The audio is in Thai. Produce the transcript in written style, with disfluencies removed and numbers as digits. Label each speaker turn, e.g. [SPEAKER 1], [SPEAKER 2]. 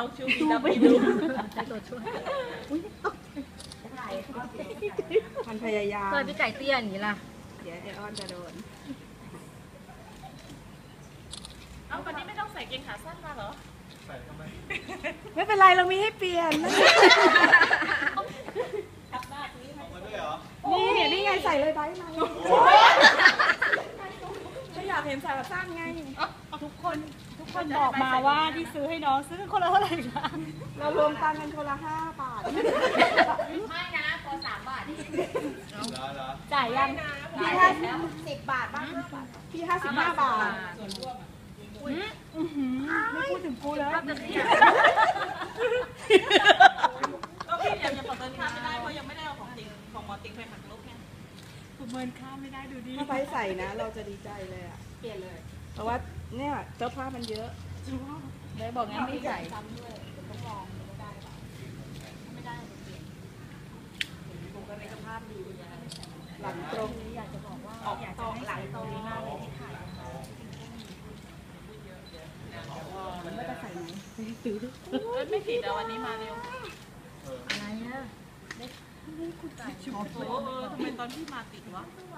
[SPEAKER 1] เอาชูบีดับไปดูตัวช่วย
[SPEAKER 2] มันพยายาม
[SPEAKER 3] เคยพี่ไก่เตี้ยอย่างนี้ล่ะ
[SPEAKER 2] เดี๋ยวอ้อนจะโดน
[SPEAKER 1] เอาวันนี้ไม่ต้องใส่เกงขาสั้นมาเหรอ
[SPEAKER 4] ใส่ทำไม
[SPEAKER 2] ไม่เป็นไรเรามีให้เปลี่ยน
[SPEAKER 4] มาด้วยเหรอ
[SPEAKER 2] นี่ไงใส่เลยไบมาไม่อยากเห็นใส่แบบสั้นไง
[SPEAKER 5] ทุกคนบอกมาว่าที่ซื้อให้น้องซื้อคนละเท่าไหร่คะ
[SPEAKER 2] เรารวมตังค์กันคนละ5 บาท
[SPEAKER 3] ไม่นะพอ3 บาท
[SPEAKER 4] เหรอ
[SPEAKER 5] จ่ายยัง
[SPEAKER 2] พี่10 บาทบ้าง5 บาทพี่55 บาทไม่พูดถึงกูแล้ว
[SPEAKER 1] ก็พี่ยังประเมินค่าไม่ได้เพราะยังไม่ได้เอาของหมอติ๊กไปหักลบไง
[SPEAKER 5] ประเมินค่าไม่ได้ดูดี
[SPEAKER 2] ถ้าไปใส่นะเราจะดีใจเลยอ่ะ
[SPEAKER 3] เปลี่ยนเลย
[SPEAKER 2] เพราะว่าเนี่ยเสื้อผ้ามันเยอะเลยบอกงั้นไม่ใส่
[SPEAKER 3] ต้องลองได้หรือเปล่าไม่ได้เปลี่ยนผมก็ในสภาพดี
[SPEAKER 2] หลังตรง
[SPEAKER 3] อยากจะบอกว่าอยากจะให้หลังตรงนี้มากเลยที่ถ่าย
[SPEAKER 2] มันไม่จะใส่ไหม
[SPEAKER 1] ซื้อไม่ผิดอะวันนี้มาเร็ว
[SPEAKER 3] อะไรอ่ะ
[SPEAKER 1] โอ้ทำไมตอนที่มาติดวะ